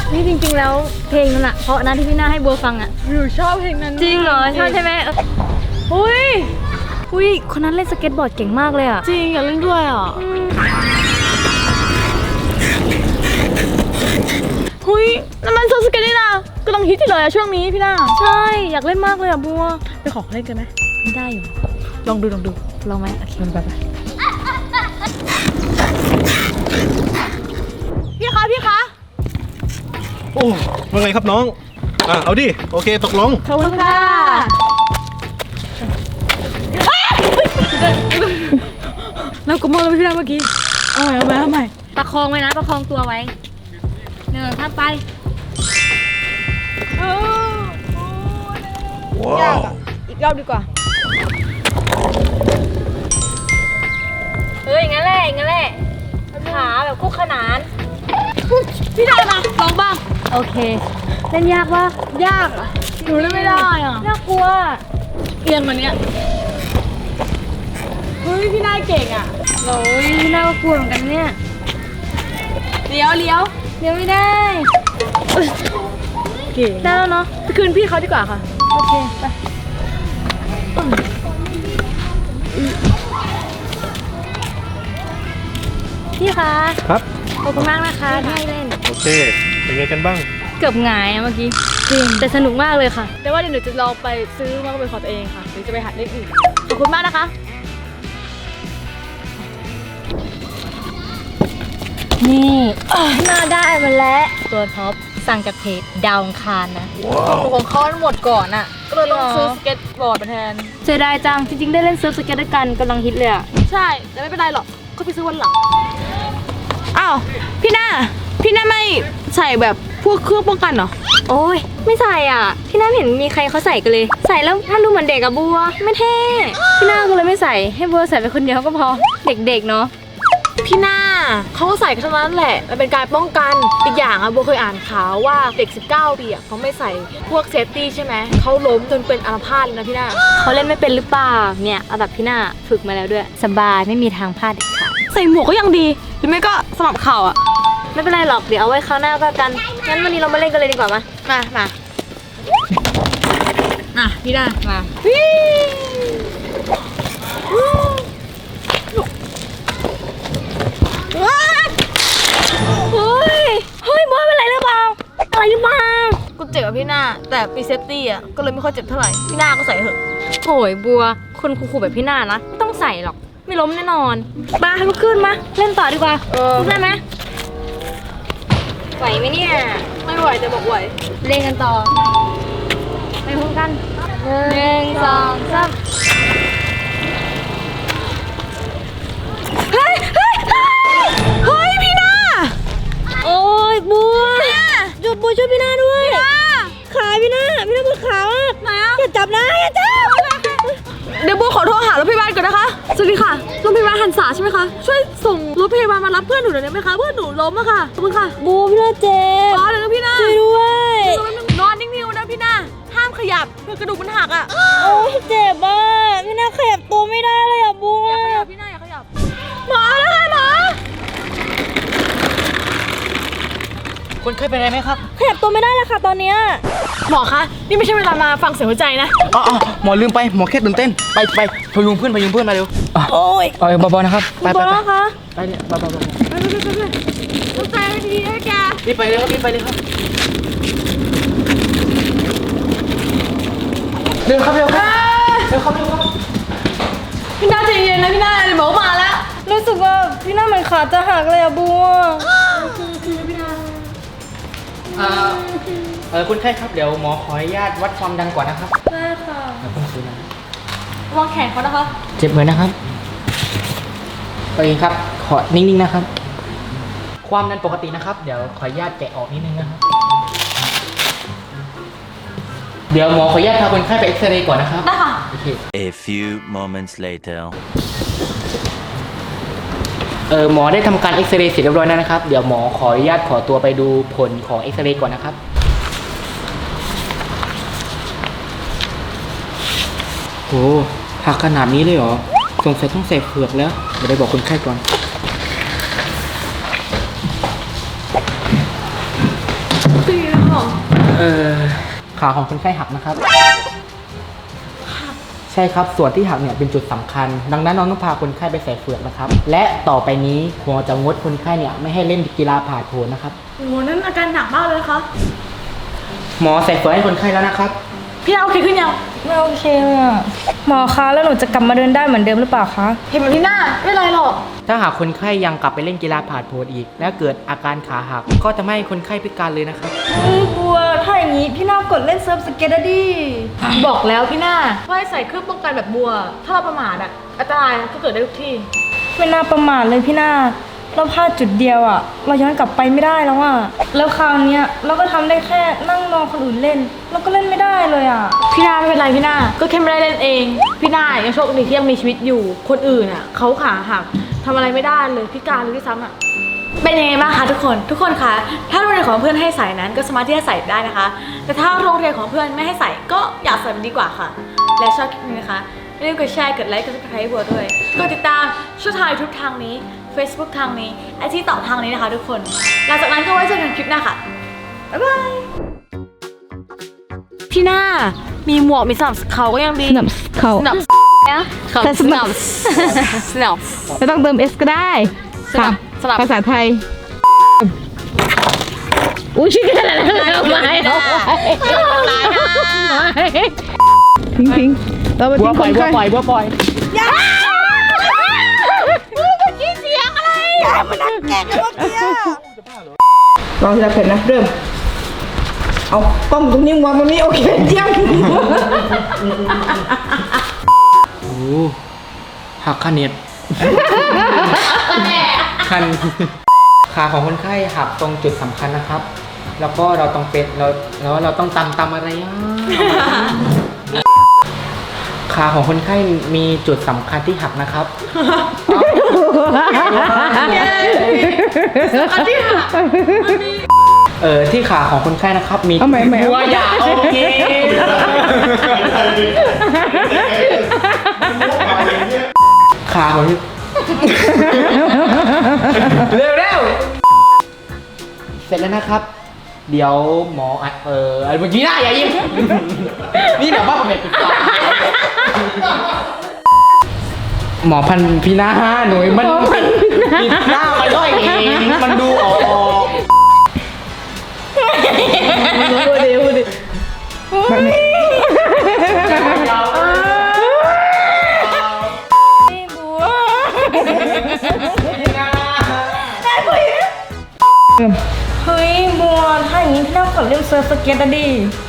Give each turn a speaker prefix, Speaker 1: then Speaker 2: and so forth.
Speaker 1: นี่จริงๆแล้วเพลงนั้นอะเพราะนะที่พี่หน้าให้บัวฟังอะ
Speaker 2: หนูชอบเพลงนั้น
Speaker 1: จริงเหรอชอบใช่ไหมอุ้ยคนนั้นเล่นสเก็ตบอร์ดเก่งมากเลยอะ
Speaker 2: จริงอยากเล่นด้วยอ่ะน้ำมันโซสเก็ตนี่นะกำลังฮิตที่เลยอะช่วงนี้พี่หน้า
Speaker 1: ใช่อยากเล่นมากเลยอะบัว
Speaker 2: ไปขอเล่นกันไหม
Speaker 1: ไม่ได้อยู่
Speaker 2: ลองดู
Speaker 1: ลองไหมโอเคไป
Speaker 2: พี่คะ
Speaker 3: โอ้ว่าไงครับน้องเอาดิโอเคตกลง
Speaker 2: ขอบคุณค่ะเราก็มองแล้วพี่หน้าเมื่อกี้เอาใหม่
Speaker 1: ประคองไว้นะประคองตัวไว้ข้ามไป
Speaker 2: ยากอ่ะอีกรอบดีกว่า
Speaker 1: อย่างนั้นแหละขาแบบคู่ขนาน
Speaker 2: พี่ได้มาลองบ้าง
Speaker 1: โอเคเล่นยากวะ
Speaker 2: ยากอ่ะหนูเล่นไม่ได้อ่ะ
Speaker 1: น่ากลัว
Speaker 2: เอียงกว่านี้พี่นายเก่งอ่ะ
Speaker 1: พี่น่ากลัวเหมือนกันเนี่ย
Speaker 2: เลี้ยว
Speaker 1: ไม่ได้
Speaker 2: เก่ง
Speaker 1: ได้แล้วเนาะ
Speaker 2: ไปคืนพี่เขาดีกว่าค่ะ
Speaker 1: โอเคไปพี่คะ
Speaker 3: ครับ
Speaker 1: ขอบคุณมากนะคะที่ให้เล่น
Speaker 3: โอเคเป็นไงกันบ้าง
Speaker 1: เกือบหงายเมื่อกี้จริงแต่สนุกมากเลยค่ะ
Speaker 2: แต่ว่าเดี๋ยวหนูจะลองไปซื้อมาเป็นของตัวเองค่ะหรือจะไปหัดเล่นอื่นขอบคุณมากนะคะ
Speaker 1: นี่น่าได้มาแล้วตัวท็อปสั่งจากเพจดาวอังคารนะ
Speaker 2: ของเขาหมดก่อนอ่ะก็เลยลองซื้อสเก็ตบอร์ดมาแทน
Speaker 1: เสียดายจังจริงๆได้เล่นเซิร์ฟสเก็ตด้วยกันกำลังฮิตเลยอ่ะ
Speaker 2: ใช่แต่ไม่เป็นไรหรอกก็ไปซื้อวันหลังอ้าวพี่หน้าไม่ใส่แบบพวกเครื่องป้องกันเหรอ
Speaker 1: โอ้ยไม่ใส่อ่ะพี่น้าเห็นมีใครเขาใส่กันเลยใส่แล้วมันดูเหมือนเด็กอะบัวไม่เท่พี่น้าก็เลยไม่ใส่ให้บัวใส่ไปคนเดียวก็พอเด็กๆเนาะ
Speaker 2: พี่หน้าเขาก็ใส่กันทั้งนั้นแหละมันเป็นการป้องกันอีกอย่างอะบัวเคยอ่านข่าวว่าเด็ก19 ปีอะเขาไม่ใส่พวกเซฟตี้ใช่ไหมเขาล้มจนเป็นอัมพาตเลยนะพี่หน้า
Speaker 1: เขาเล่นไม่เป็นหรือเปล่าเนี่ยเอาแบบพี่หน้าฝึกมาแล้วด้วยสบายไม่มีทางพลาดเด็ดขาด
Speaker 2: ใส่หมวกก็ยังดีหรือไม่ก็สลับเข่าอะ
Speaker 1: ไม่เป็นไรหรอกเดี๋ยวเอาไว้คราวหน้าก็กันงั้นวันนี้เรามาเล่นกันเลยดีกว่ามา
Speaker 2: พี่ได้มา
Speaker 1: เฮ้ยบัวเป็นไรหรือเปล่าอะไรมา
Speaker 2: กูเจ็บอะพี่หน้าแต่ปีเซฟตี้อะก็เลยไม่ค่อยเจ็บเท่าไหร่พี่หน้าก็ใส่เถอะ
Speaker 1: โหยบัวคนคูลๆแบบพี่หน้านะไม่ต้องใส่หรอกไม่ล้มแน่นอนมาลุกขึ้นมาเล่นต่อดีกว่าได้ไหมไหวไหมเนี่ย
Speaker 2: ไม่ไหวแต่บอกไหว
Speaker 1: เล่นกันต่อไปพร้อมกัน1 2 3
Speaker 2: เฮ้ยพี่หน้า
Speaker 1: โอ้ยบัวหยุดบัวช่วยพี่หน้าด้วยขาพี่หน้าปวดขา
Speaker 2: ไหนอ่ะ
Speaker 1: อย่าจับนะอย่าจับ
Speaker 2: เดี๋ยวบัวขอโทรหารถพยาบาลก่อนนะคะสวัสดีค่ะโรงพยาบาลหันษาใช่ไหมคะช่วยส่งรถพยาบาลมารับเพื่อนหนูหน่อยได้ไหมคะเพื่อนหนูล้มอะค่ะขอบคุณค่ะ
Speaker 1: บัวพี่หน้าเจ็บ
Speaker 2: รอเลยนะพี่หน้า
Speaker 1: ช่วยด้วย
Speaker 2: นอนนิ่งๆนะพี่หน้าห้ามขยับเพื่อกระดูกมันหักอะ
Speaker 1: โอ้ยเจ็บอ่ะพี่หน้าขยับตัวไม่ได้เลยอ่ะบัว
Speaker 2: อย่าขยับพี่หน้าอย่าขยับหมอแล้วค่ะหมอ
Speaker 4: คนเคยเป็นอะไรไหมครับ
Speaker 1: ขยับตัวไม่ได้แล้วค่ะตอนเนี้ย
Speaker 2: หมอคะนี่ไม่ใช่เวลามาฟังเสียงหัวใจนะ
Speaker 4: อ๋อหมอลืมไปหมอแค่ตื่นเต้นไปพยุงเพื่อนมาเร็ว
Speaker 1: โอ้ย
Speaker 4: เบาๆนะครับไป
Speaker 1: นะคะ
Speaker 4: ไปเนี่ยเบา
Speaker 2: หัวใจไม่ดีนะแก
Speaker 4: รีบไปเลยครับเร็วครับ
Speaker 2: พี่หน้าใจเย็นนะพี่หน้าเดี๋ยวหมอมาแล้ว
Speaker 1: รู้สึกว่าพี่หน้าเหมือนขาจะหักเลยอะบัว
Speaker 4: คุณไข้ครับเดี๋ยวหมอขออนุญาตวัดความดันก่อนนะครับ
Speaker 1: ได้ค่ะ
Speaker 4: ต้องซื้อนะ
Speaker 2: วางแขนเขานะคะ
Speaker 4: เจ็บเหมือนนะครับโอเคครับขอนิ่งๆนะครับความดันปกตินะครับเดี๋ยวขออนุญาตแกะออกนิดนึงนะครับเดี๋ยวหมอขออนุญาตพาคนไข้ไปเอ็กซเรย์ก่อนนะครับ
Speaker 2: ได้ค่ะ
Speaker 4: โอเค
Speaker 5: A few moments later
Speaker 4: หมอได้ทำการเอ็กซเรย์เสร็จเรียบร้อยแล้วนะครับเดี๋ยวหมอขออนุญาตขอตัวไปดูผลของเอ็กซเรย์ก่อนนะครับโหหักขนาดนี้เลยเหรอสงสัยต้องใส่เฟือกแล้วเดี๋ยวไปบอกคนไข้ก่อนขาของคนไข้หักนะครับ ใช่ครับ ส่วนที่หักเนี่ยเป็นจุดสำคัญ ดังนั้นน้องต้องพาคนไข้ไปใส่เฟือกนะครับ และต่อไปนี้หมอจะงดคนไข้เนี่ยไม่ให้เล่นกีฬาผาดโผนนะครับ
Speaker 2: โอ้โหนั่นอาการหนักมากเลยนะคะ
Speaker 4: หมอใส่เฟือกให้คนไข้แล้วนะครับ
Speaker 2: พี่นาโอเคขึ้นยัง
Speaker 1: ไม่โอเคเลยอะหมอคะแล้วหนูจะกลับมาเดินได้เหมือนเดิมหรือเปล่าคะ
Speaker 2: เห็นไหมพี่นาไม่เป็นไรหรอก
Speaker 4: ถ้าหากคนไข้ยังกลับไปเล่นกีฬาผาดโผนอีก และเกิดอาการขาหัก ก็จะไม่ให้คนไข้พิการเลยนะครับ
Speaker 1: บัวถ้าอย่างนี้พี่นากดเล่นเซิร์ฟสเก็ตอะดิ
Speaker 2: บอกแล้วพี่นาว่าให้ใส่เครื่องป้องกันแบบบัว ถ้าเราประมาทอะอันตรายก็เกิดได้ทุกที่
Speaker 1: ไม่น่าประมาทเลยพี่นาเราพลาดจุดเดียวอะเราย้อนกลับไปไม่ได้แล้วอะแล้วคราวเนี้ยเราก็ทำได้แค่นั่งรอคนอื่นเล่นเราก็เล่นไม่ได้เลยอะ
Speaker 2: พี่นาไม่เป็นไรพี่นาก็แค่ไม่ได้เล่นเอง พี่นายังโชคดีที่ยังมีชีวิตอยู่ คนอื่นอ่ะเขาขาหักทำอะไรไม่ได้เลยพิการเลยด้วยซ้ำอ่ะ เป็นยังไงบ้างคะทุกคนคะถ้าโรงเรียนของเพื่อนให้ใส่นั้นก็สามารถที่จะใส่ได้นะคะ แต่ถ้าโรงเรียนของเพื่อนไม่ให้ใส่ก็อย่าใส่มันดีกว่าค่ะ และชอบคลิปนี้นะคะอย่าลืมกดแชร์กดไลค์กดซับสไครต์ให้บัวด้วยกดติดตามช่องทาง YouTube ทางนี้ Facebook ทางนี้ไอจีต่อทางนี้นะคะทุกคนหลังจากนั้นก็ไว้เจอกันคลิปหน้าค่ะบ๊ายบายพี่หน้ามีหมวกมีสนับเขาก็ยังดี
Speaker 1: สนับเขา
Speaker 2: สนับ
Speaker 1: แต่สนับ
Speaker 2: สนับ
Speaker 1: ไม่ต้องเติม S ก็ได้
Speaker 2: สนับสนับ
Speaker 1: ภาษาไทยอุ้ยชื่ออะไรนะไม่ทิ้งเราไป
Speaker 4: บัว
Speaker 1: ทิ้ง
Speaker 4: ปล่อย
Speaker 1: คน
Speaker 4: บัว
Speaker 1: ไข้
Speaker 4: ปล่อยบัวปล่อย
Speaker 6: ลองทีละแผ่นนะเริ่ม เอากล้องตรงนี้วางตรงนี้โอเคเยี่ยม
Speaker 4: โอ้หักขาเน็ตคันขาของคนไข้หักตรงจุดสำคัญนะครับ แล้วก็เราต้องเป็นเราต้องตำอะไรอ่ะขาของคนไข้มีจุดสำคัญที่หักนะครับที่ขาของคนไข้นะครับมีบัวอย่าโอเคขาของเร็วเสร็จแล้วนะครับ เดี๋ยวหมอเมื่อกี้หน้าอย่ายิ้มนี่แบบว่าผมเป็นปิดปากหมอพันพี่หน้าหนุ่ยมันปิดหน้ามันด้อยเองมันดูออก
Speaker 1: เฮ้ยบัวถ้าอย่างนี้พี่นากดเล่นเซิร์ฟสเก็ตอะดิ